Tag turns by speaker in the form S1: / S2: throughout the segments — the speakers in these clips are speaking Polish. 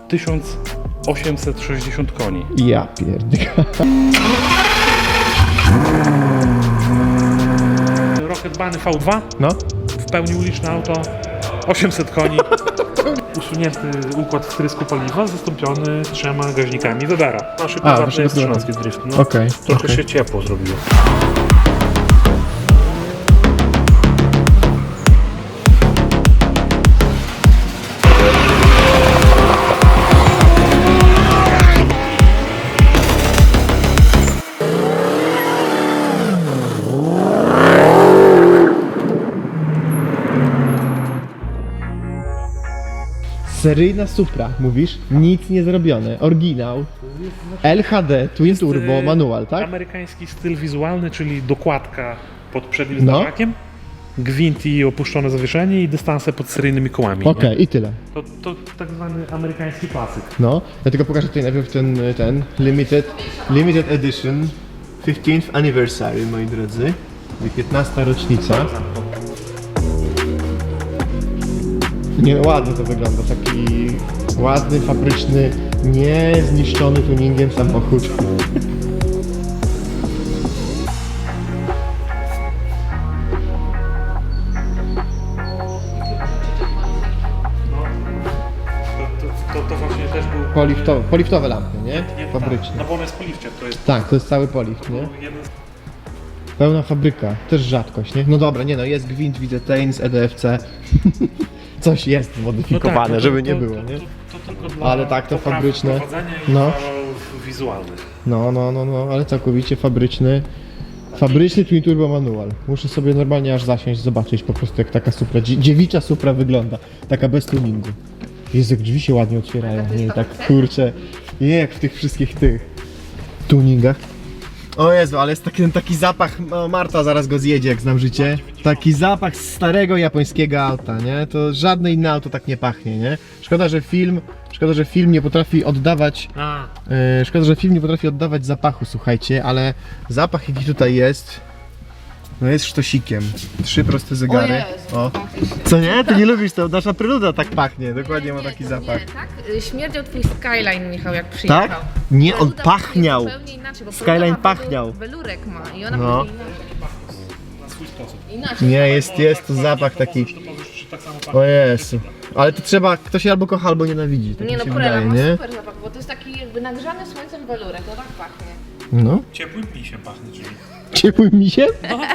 S1: 1860 koni.
S2: Ja pierdolę.
S1: Rocketbany V2,
S2: No.
S1: w pełni uliczne auto, 800 koni. Usunięty układ wtrysku paliwa, zastąpiony 3 gaźnikami Webera. Nasze prywatne jest 13 drift. No.
S2: Okej,
S1: Trochę
S2: okej.
S1: się ciepło zrobiło.
S2: Seryjna Supra, mówisz? Nic nie zrobione. Oryginał. LHD, Twin Turbo, manual, tak?
S1: Amerykański styl wizualny, czyli dokładka pod przednim
S2: No.
S1: zderzakiem, gwint i opuszczone zawieszenie i dystanse pod seryjnymi kołami.
S2: Okej, i tyle.
S1: To tak zwany amerykański klasyk.
S2: No, ja tylko pokażę tutaj najpierw ten limited edition 15th anniversary, moi drodzy. 15. rocznica. Nie, ładnie to wygląda, taki ładny, fabryczny, nie zniszczony tuningiem samochód.
S1: To właśnie też był...
S2: Poliftowe lampy, nie?
S1: Tak,
S2: Fabryczne.
S1: no bo on jest po lifcie, to jest
S2: Tak, to jest cały polift, nie?
S1: jeden z...
S2: Pełna fabryka, też rzadkość, nie? No dobra, nie no, jest gwint, widzę Tains, EDFC. Coś jest zmodyfikowane,
S1: no
S2: żeby nie było, nie?
S1: To tylko dla
S2: Ale tak, to
S1: poprawy
S2: fabryczne.
S1: prowadzenia i
S2: No.
S1: walorów wizualnych.
S2: No, ale całkowicie fabryczny. Fabryczny Twin Turbo manual. Muszę sobie normalnie aż zasiąść, zobaczyć po prostu jak taka Supra, dziewicza Supra wygląda. Taka bez tuningu. Jezu, jak drzwi się ładnie otwierają, nie? Tak kurczę, nie jak w tych wszystkich tych tuningach. O Jezu, ale jest taki zapach, no Marta zaraz go zjedzie jak znam życie. Taki zapach starego japońskiego auta, nie? To żadne inne auto tak nie pachnie, nie? Szkoda, że film nie potrafi oddawać szkoda, że film nie potrafi oddawać zapachu, słuchajcie, ale zapach jaki tutaj jest, no jest sztosikiem. 3 proste zegary.
S3: O Jezu,
S2: O. Co nie? Ty nie lubisz to? Nasza preluda tak pachnie, dokładnie ma taki
S3: to
S2: zapach.
S3: Nie, tak? Śmierdział twój Skyline, Michał, jak przyjechał.
S2: Tak? Nie, on
S3: Preluda
S2: pachniał.
S3: zupełnie inaczej, bo
S2: Skyline
S3: Preluda ma
S2: pachniał.
S3: Welurek ma i ona
S2: No.
S3: no.
S1: Na swój sposób.
S3: inaczej.
S2: Nie, jest to zapach taki.
S1: To powiesz, czy tak samo pachnie.
S2: O Jezu. Ale to trzeba, ktoś się albo kocha, albo nienawidzi, tak
S3: Nie
S2: mi
S3: no,
S2: się
S3: Prela
S2: wydaje,
S3: ma
S2: nie?
S3: super zapach, bo to jest taki jakby nagrzany słońcem welurek, to tak pachnie.
S2: No.
S1: Ciepłym misiem pachnie, czyli...
S2: Ciepłym misiem?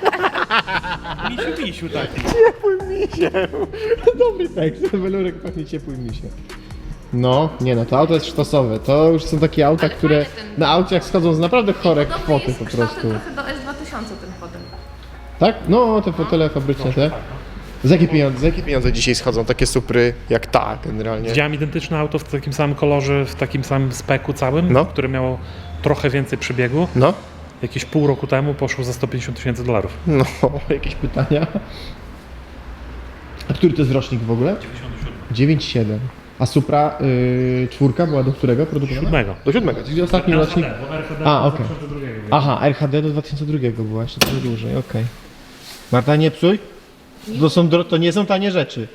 S1: Misiu taki.
S2: Ciepłym misiem. Dobry tekst, welurek pachnie ciepłym misiem. No, nie no, to auto jest sztosowe. To już są takie auta,
S3: Ale
S2: które
S3: fajny ten-
S2: na aucie jak schodzą z naprawdę chore
S3: Podobny
S2: kwoty
S3: jest
S2: po
S3: kształtem
S2: prostu.
S3: trochę do S2000 ten potem.
S2: Tak? No, te fotele fabryczne te. Za jakie pieniądze dzisiaj schodzą takie Supry jak ta generalnie?
S1: Widziałem identyczne auto w takim samym kolorze, w takim samym speku całym,
S2: No.
S1: które miało trochę więcej przebiegu.
S2: No,
S1: Jakieś pół roku temu poszło za $150,000.
S2: no, jakieś pytania? A który to jest rocznik w ogóle?
S1: 97.
S2: 9,7. A Supra czwórka była do którego produkowana?
S1: 7.
S2: Do 7, czyli ostatni rocznik.
S1: bo RHD
S2: A,
S1: do
S2: okej.
S1: 2002 było.
S2: Aha, RHD do 2002 była, jeszcze trochę dłużej, okej. Marta, nie psuj? To nie są tanie rzeczy.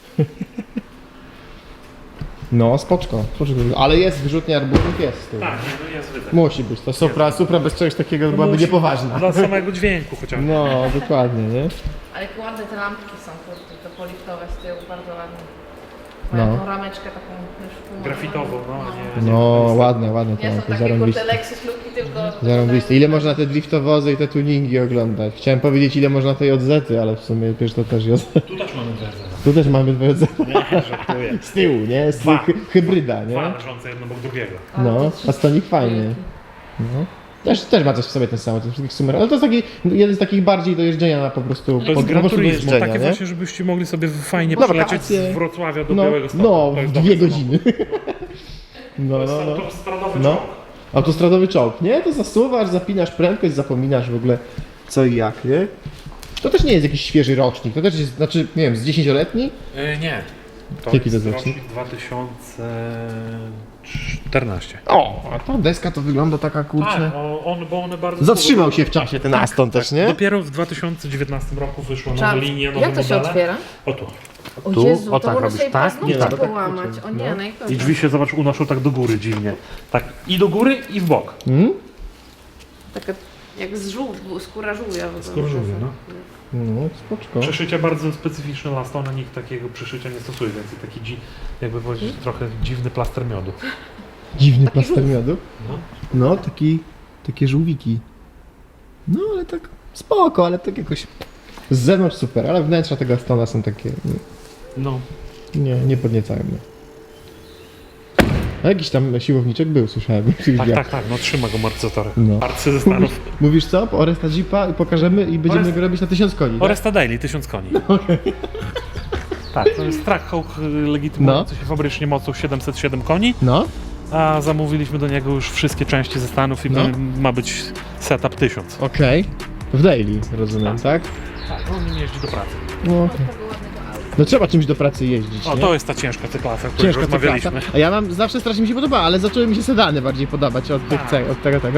S2: No, spoczko, ale jest wyrzutnia arbuzów, jest z tyłu.
S1: Tak, nie, jest wydech.
S2: Musi być, to Supra bez czegoś takiego byłaby
S1: Musi-
S2: niepoważna.
S1: Dla samego dźwięku chociażby.
S2: No, dokładnie, nie?
S3: Ale jak ładne te lampki są, kurde, to poliftowe z tyłu, bardzo ładne.
S2: No.
S3: Mają tą rameczkę taką już
S1: Grafitową, nie.
S2: No, ładne te
S3: Nie są
S2: lampy,
S3: takie kurde
S2: zarąbiste.
S3: Lexus luki, tylko...
S2: Zarąbiste. Ile można te driftowozy i te tuningi oglądać? Chciałem powiedzieć ile można tej JZ-y, ale w sumie wiesz, to też JZ.
S1: Tu też mamy wersję.
S2: Tu też mamy dwie JZ.
S1: Nie, żartuję.
S2: Z tyłu, nie? Z
S1: Dwa.
S2: Hybryda,
S1: Dwa
S2: nie?
S1: leżące jedno obok drugiego.
S2: No, a stolik fajny. No. Też ma coś w sobie ten sam, ten wszystkich sumer, ale to jest taki, jeden z takich bardziej do jeżdżenia na po prostu,
S1: To jest
S2: po
S1: Gran
S2: prostu do
S1: Turismo,
S2: jeżdżenia,
S1: takie
S2: nie?
S1: właśnie, żebyście mogli sobie fajnie
S2: No,
S1: przylecieć
S2: wakacje.
S1: z Wrocławia do
S2: No,
S1: Białego Stoku.
S2: no,
S1: To jest
S2: w
S1: dobry
S2: 2
S1: samochód.
S2: godziny. No,
S1: To jest
S2: no, no.
S1: autostradowy
S2: No.
S1: czołg.
S2: Autostradowy czołg, nie? To zasuwasz, zapinasz prędkość, zapominasz w ogóle co i jak, nie? To też nie jest jakiś świeży rocznik, to też jest, znaczy, nie wiem, z 10-letni?
S1: Nie. To
S2: Jaki to
S1: jest
S2: jest rocznik?
S1: rocznik 2014.
S2: O, a ta deska to wygląda taka, kurczę...
S1: Tak, bo one bardzo...
S2: Zatrzymał się w czasie ten Aston też, nie?
S1: Dopiero w 2019 roku wyszła nowa
S3: Trzeba-
S1: linia, nowe
S3: Jak to się
S1: modele.
S3: otwiera?
S1: O tu.
S3: O
S1: Tu?
S3: Jezu,
S1: O
S3: to
S1: tak
S3: może
S1: robisz,
S3: sobie
S1: tak?
S3: paznokcie
S1: Nie, tak.
S3: połamać. O nie,
S2: No.
S1: I
S3: najgorzej.
S1: drzwi się, zobacz, unoszą tak do góry dziwnie. Tak i do góry i w bok.
S3: Taka jak skóra żółwia.
S1: Skóra żółwia, no.
S2: No, spoczko.
S1: Przeszycie bardzo specyficzne Lastona, nikt takiego przeszycia nie stosuje, więc taki jakby powiedzieć trochę dziwny plaster miodu.
S2: Dziwny plaster miodu.
S1: No.
S2: No, takie żółwiki. No, ale tak spoko, ale tak jakoś z zewnątrz super, ale wnętrza tego Astona są takie,
S1: No,
S2: nie podniecają mnie. A jakiś tam siłowniczek był, słyszałem.
S1: tak, no trzyma go amortyzatorem.
S2: No.
S1: Arcy ze Stanów.
S2: Mówisz co? Oresta Jeepa i pokażemy i będziemy
S1: Orest-
S2: go robić na 1000 koni, tak?
S1: Oresta Daily, 1000 koni. Tak, to jest Trackhawk legitymujący się fabrycznie mocą 707 koni,
S2: No,
S1: a zamówiliśmy do niego już wszystkie części ze Stanów i
S2: No.
S1: ma być setup 1000.
S2: okej. W daily, rozumiem, tak?
S1: Tak, on nim jeździ do pracy.
S2: No, okej. No trzeba czymś do pracy jeździć,
S1: O,
S2: nie?
S1: to jest ta ciężka cyklasa, o której
S2: Ciężka
S1: rozmawialiśmy.
S2: cyklasa. A ja mam, zawsze strasznie mi się podoba, ale zaczęły mi się sedany bardziej podobać od tych
S1: Tak.
S2: od tego.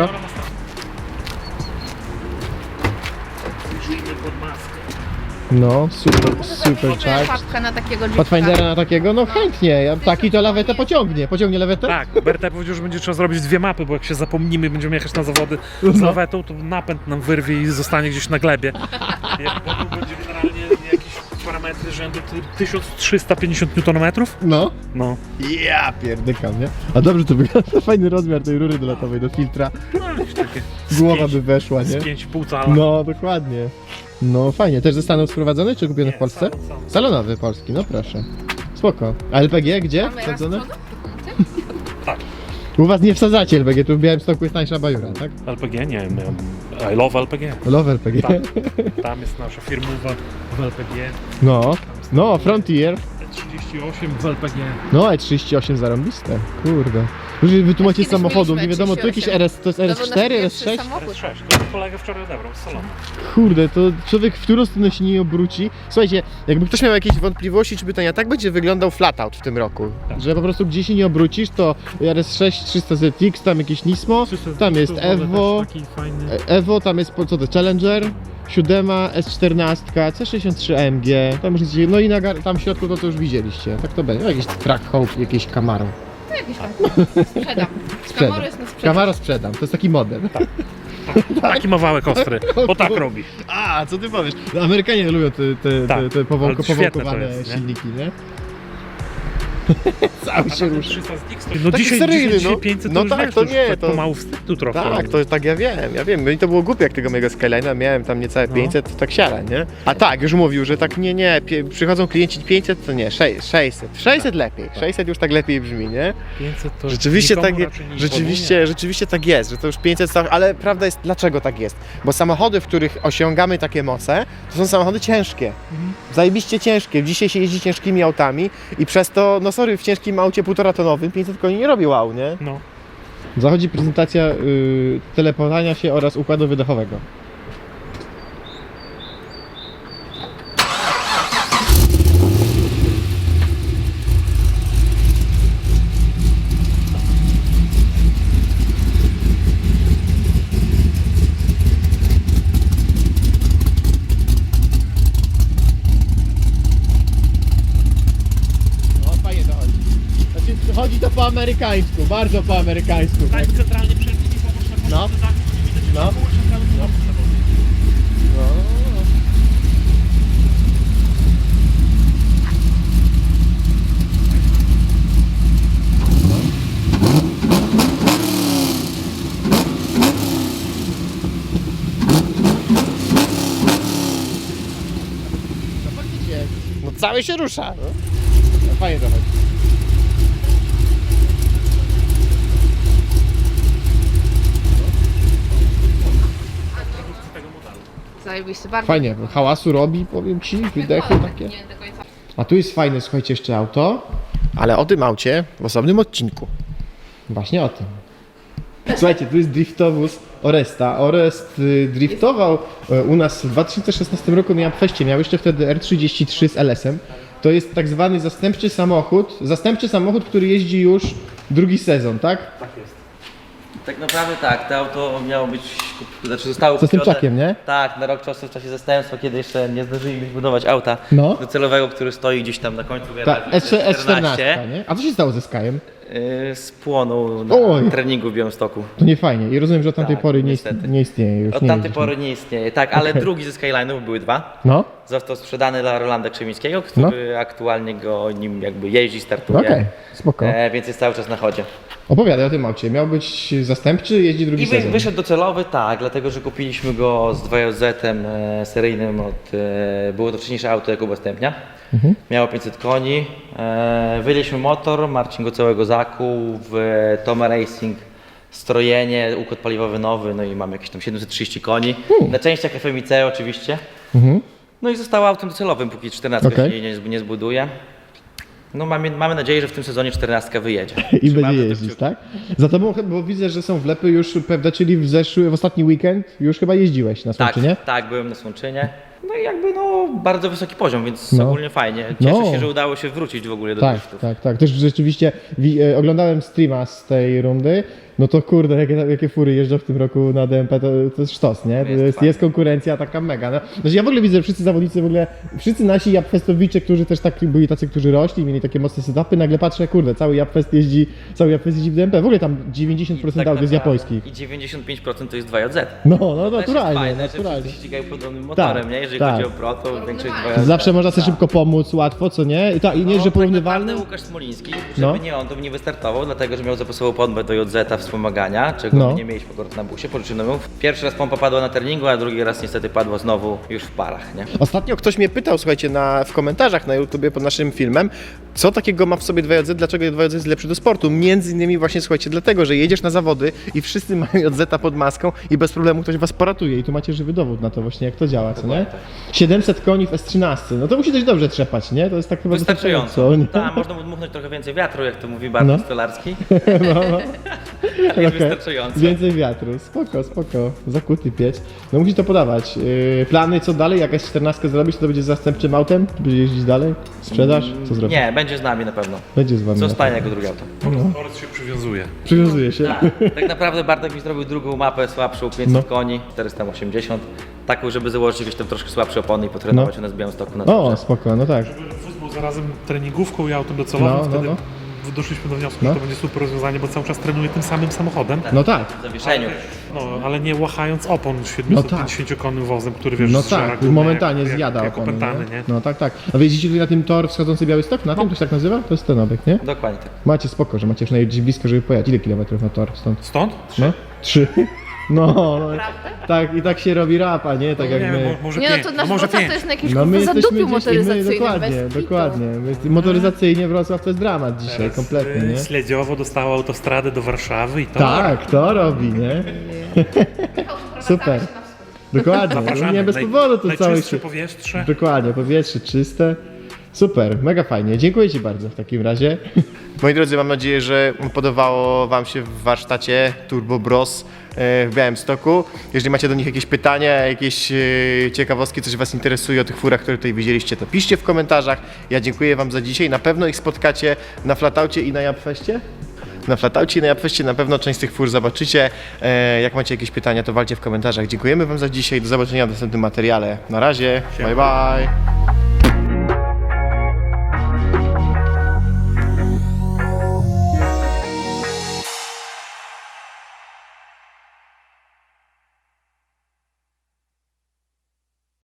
S1: Przyjrzyjmy pod maskę.
S2: No, super
S3: Super
S2: charge.
S3: papka na takiego jeepka.
S2: Pathfindera na takiego? No chętnie, ja taki to lawetę pociągnie. Pociągnie lawetę?
S1: Tak, Berta powiedział, że będzie trzeba zrobić 2 mapy, bo jak się zapomnimy i będziemy jechać na zawody z
S2: No.
S1: lawetą, to napęd nam wyrwie i zostanie gdzieś na glebie. Jak potem będzie generalnie jakieś parametry rzędu 1350 Nm.
S2: No.
S1: No.
S2: Ja pierdykam, nie? A dobrze to wygląda, fajny rozmiar tej rury dolatowej do filtra.
S1: No, jakieś takie
S2: Głowa by weszła,
S1: z
S2: nie?
S1: 5,5 cala.
S2: No, dokładnie. No fajnie, też ze Stanów sprowadzony, czy kupiony w Polsce?
S1: salon.
S2: Salonowy polski, no proszę. Spoko. A LPG gdzie?
S3: Mamy raz
S2: Wsadzone?
S3: przodu?
S1: Tak.
S2: U was nie wsadzacie LPG, tu w Białymstoku jest tańsza bajura, tak?
S1: LPG? Nie, I love LPG.
S2: Love LPG.
S1: Tak. Tam jest nasza firmowa w LPG.
S2: No, Frontier.
S1: 38 w LPG.
S2: No, E38 zarąbiste. Kurde. Już wytłumaczyć
S3: Kiedyś
S2: samochodu, nie
S3: mieliśmy
S2: wiadomo, to jakieś
S3: 38.
S2: RS, to jest
S3: To był
S2: RS4,
S3: nasz pierwszy
S2: RS6?
S3: samochód.
S1: S6, to kolega wczoraj odebrał z salonu.
S2: Kurde, to człowiek w którą stronę się nie obróci. Słuchajcie, jakby ktoś miał jakieś wątpliwości czy pytania, tak będzie wyglądał flatout w tym roku.
S1: Tak.
S2: Że po prostu gdzie się nie obrócisz, to RS6 300ZX, tam jakieś Nismo, tam jest Evo,
S1: Taki fajny.
S2: Evo, tam jest co to, Challenger, 7, S14, C63 AMG, tam już nic, no i tam w środku to już widzieliście, tak to będzie, jakiś Trackhawk, jakieś Camaro.
S3: To jakiś tam. Sprzedam. Camaro jest na sprzedaż.
S2: Camaro sprzedam, to jest taki model.
S1: Taki ma wałek ostry, bo tak robi.
S2: A, co ty powiesz? No, Amerykanie lubią
S1: Tak,
S2: te
S1: ale świetne to
S2: powąkowane
S1: jest, nie?
S2: silniki, nie? Cały się rusza.
S1: 300 z X, no
S2: Taki
S1: dzisiaj,
S2: seryjny,
S1: dzisiaj
S2: no.
S1: 500
S2: No
S1: to już
S2: tak,
S1: wiesz,
S2: to
S1: już
S2: nie,
S1: tak
S2: to-
S1: pomału wstydu trochę.
S2: Tak, to tak ja wiem. Mi to było głupie, jak tego mojego Skyline'a miałem tam niecałe 500, to tak siara, nie? A tak, już mówił, że tak nie, przychodzą klienci 500, to nie, 600. 600 lepiej, 600 już tak lepiej brzmi, nie?
S1: 500 to
S2: Rzeczywiście
S1: nikomu
S2: tak,
S1: raczej nie
S2: rzeczywiście tak jest, że to już 500 ale prawda jest, dlaczego tak jest? Bo samochody, w których osiągamy takie moce, to są samochody ciężkie. Zajebiście ciężkie. Dzisiaj się jeździ ciężkimi autami i przez to, no sorry, w ciężkim aucie 1,5 tonowym 500 koni nie robi wow, nie?
S1: No.
S2: Zachodzi prezentacja teleportowania się oraz układu wydechowego. No fajnie to chodzi. Znaczy chodzi to po amerykańsku, bardzo po amerykańsku.
S1: Tak, centralnie przed nimi pomóż na
S2: No. No. No cały się rusza. No fajnie to chodzi.
S3: Zajebiście, bardzo.
S2: Fajnie, hałasu robi, powiem ci, wydechy takie.
S3: Nie do końca.
S2: A tu jest fajne, słuchajcie, jeszcze auto. Ale o tym aucie w osobnym odcinku. Właśnie o tym. Słuchajcie, tu jest driftowóz Oresta. Orest driftował u nas w 2016 roku na Feście. Miał jeszcze wtedy R33 z LS-em. To jest tak zwany zastępczy samochód, który jeździ już drugi sezon, tak?
S1: Tak jest.
S4: Tak naprawdę tak, to auto miało być, znaczy zostało
S2: Co z tym
S4: kupione-
S2: czakiem, nie?
S4: Tak, na rok czasu w czasie zastępstwa, kiedy jeszcze nie zdążyliśmy zbudować auta
S2: No.
S4: docelowego, który stoi gdzieś tam na końcu
S2: Ta
S4: garażu.
S2: S14, nie? A co się stało ze Skyem?
S4: Spłonął na
S2: Oj.
S4: treningu w Białymstoku.
S2: To nie fajnie. I rozumiem, że od tamtej
S4: Tak,
S2: pory
S4: niestety.
S2: nie istnieje już.
S4: Od
S2: nie
S4: tamtej
S2: jeździsz.
S4: pory nie istnieje, tak, ale drugi ze Skyline'ów, były dwa.
S2: No,
S4: Został sprzedany dla Rolanda Krzemińskiego, który aktualnie nim jakby jeździ, startuje.
S2: okej, spoko.
S4: Więc jest cały czas na chodzie.
S2: Opowiadaj o tym aucie. Miał być zastępczy, jeździ drugi
S4: I
S2: sezon.
S4: wyszedł docelowy, tak, dlatego że kupiliśmy go z 2JZ-em seryjnym było to wcześniejsze auto Jakuba Stępnia. Miało 500 koni, wyjęliśmy motor, Marcin go całego zakuł, w Toma Racing strojenie, układ paliwowy nowy, no i mamy jakieś tam 730 koni, na częściach FMIC oczywiście. No i zostało autem docelowym, póki 14
S2: Okej.
S4: się nie zbuduje. No mamy nadzieję, że w tym sezonie 14 wyjedzie.
S2: I
S4: Trzymamy
S2: będzie
S4: za
S2: jeździć,
S4: kciuki.
S2: tak? Za tobą, bo widzę, że są wlepy już pewne, czyli w ostatni weekend już chyba jeździłeś na
S4: Tak,
S2: Słomczynie?
S4: tak, byłem na Słomczynie. No i jakby bardzo wysoki poziom, więc
S2: No.
S4: ogólnie fajnie. Cieszę
S2: No.
S4: się, że udało się wrócić w ogóle do
S2: Tak,
S4: driftów.
S2: tak, tak. Też rzeczywiście oglądałem streama z tej rundy. No to kurde, jakie fury jeżdżą w tym roku na DMP, to jest sztos, nie? Jest konkurencja taka mega. No. Znaczy ja w ogóle widzę, że wszyscy zawodnicy, w ogóle wszyscy nasi Japfestowicze, którzy też tak byli tacy, którzy rośli, mieli takie mocne setupy, nagle patrzę, kurde, cały Japfest jeździ w DMP. W ogóle tam 90%
S4: Tak
S2: aut jest
S4: naprawdę.
S2: japońskich.
S4: I 95% to jest 2JZ.
S2: No,
S4: Też jest
S2: naturalnie,
S4: fajne, że
S2: naturalnie.
S4: wszyscy ścigają podobnym motorem,
S2: Tak,
S4: nie? Jeżeli
S2: tak.
S4: chodzi o Pro, to większość 2JZ.
S2: Zawsze można sobie
S4: Tak.
S2: szybko pomóc, łatwo, co nie? I nie, że
S4: Tak
S2: porównywalne.
S4: naprawdę Łukasz Smoliński, żeby
S2: No.
S4: nie on, to by nie wystartował, dlatego że miał zapasową pompę do JZ wspomagania, czego
S2: No.
S4: my nie mieliśmy akurat na busie, pożyczyłem ją. Pierwszy raz pompa padła na treningu, a drugi raz niestety padła znowu już w parach, nie?
S2: Ostatnio ktoś mnie pytał, słuchajcie, w komentarzach na YouTubie pod naszym filmem, co takiego ma w sobie 2JZ, dlaczego 2JZ jest lepszy do sportu. Między innymi właśnie, słuchajcie, dlatego, że jedziesz na zawody i wszyscy mają JZ pod maską i bez problemu ktoś was poratuje i tu macie żywy dowód na to właśnie, jak to działa, co nie? 700 koni w S13, no to musi dość dobrze trzepać, nie? To jest tak chyba
S4: Wystarczająco.
S2: nie?
S4: Tak, można dmuchnąć trochę więcej wiatru, jak to mówi Bartosz
S2: No.
S4: Stolarski.
S2: Okej.
S4: Jest wystarczająco.
S2: Więcej wiatru, spoko, zakuty piec. No musi to podawać. Plany co dalej, jakaś 14 zrobić, to będzie zastępczym autem? Będzie jeździć dalej? Sprzedaż? Co zrobisz?
S4: Nie, będzie z nami na pewno.
S2: Będzie z wami.
S4: Zostanie jako drugie auto.
S1: Orec się przywiązuje.
S2: Przywiązuje się.
S4: Tak naprawdę Bartek mi zrobił drugą mapę słabszą, 500
S2: No.
S4: koni, 480. Taką, żeby założyć jakieś tam troszkę słabsze opony i potrenować u nas w Białymstoku na
S2: O,
S4: dworze.
S2: spoko, no tak.
S1: Wóz był zarazem treningówką i autem docelowym,
S2: No, no,
S1: wtedy
S2: no.
S1: doszliśmy do wniosku,
S2: No.
S1: że to będzie super rozwiązanie, bo cały czas trenuje tym samym samochodem.
S2: No tak.
S4: W zawieszeniu.
S1: No, ale nie łachając opon 750-konnym wozem, który wiesz,
S2: No
S1: zżera
S2: tak,
S1: gumę
S2: momentalnie
S1: jak
S2: zjada
S1: jak
S2: opony,
S1: opętany,
S2: nie?
S1: nie?
S2: No tak, tak. A wy jeździcie tutaj na tym tor wschodzący Białystok? Na tym to się tak nazywa? To jest ten obiekt, nie?
S4: Dokładnie tak.
S2: Macie spoko, że macie już najbardziej blisko, żeby pojechać. Ile kilometrów na tor stąd?
S1: Stąd?
S2: No? 3. No, tak i tak się robi rapa, nie? Tak jak
S1: nie
S2: my.
S1: wiem, może
S3: Nie no,
S1: 5,
S3: to
S1: no
S3: nasz
S1: może
S3: Wrocław
S1: 5.
S3: to jest na jakimś
S2: No my
S3: kurwa
S2: jesteśmy
S3: zadupiu
S2: gdzieś, my,
S3: motoryzacyjnym,
S2: dokładnie,
S3: bez kitu.
S2: dokładnie. Motoryzacyjnie Wrocław to jest dramat dzisiaj, kompletnie, nie?
S1: Śledziowo dostała autostradę do Warszawy i to...
S2: Tak, to robi, nie? Super. Dokładnie, no
S1: Zapraszamy.
S2: nie bez powodu to cały
S1: Najczystsze
S2: się...
S1: powietrze.
S2: Dokładnie, powietrze czyste. Super, mega fajnie. Dziękuję Ci bardzo w takim razie. Moi drodzy, mam nadzieję, że podobało Wam się w warsztacie Turbo Bros w Białymstoku. Jeżeli macie do nich jakieś pytania, jakieś ciekawostki, coś Was interesuje o tych furach, które tutaj widzieliście, to piszcie w komentarzach. Ja dziękuję Wam za dzisiaj. Na pewno ich spotkacie na Flataucie i na Japfeście. Na Flataucie i na Japfeście na pewno część z tych fur zobaczycie. Jak macie jakieś pytania, to walcie w komentarzach. Dziękujemy Wam za dzisiaj. Do zobaczenia w następnym materiale. Na razie. Bye bye.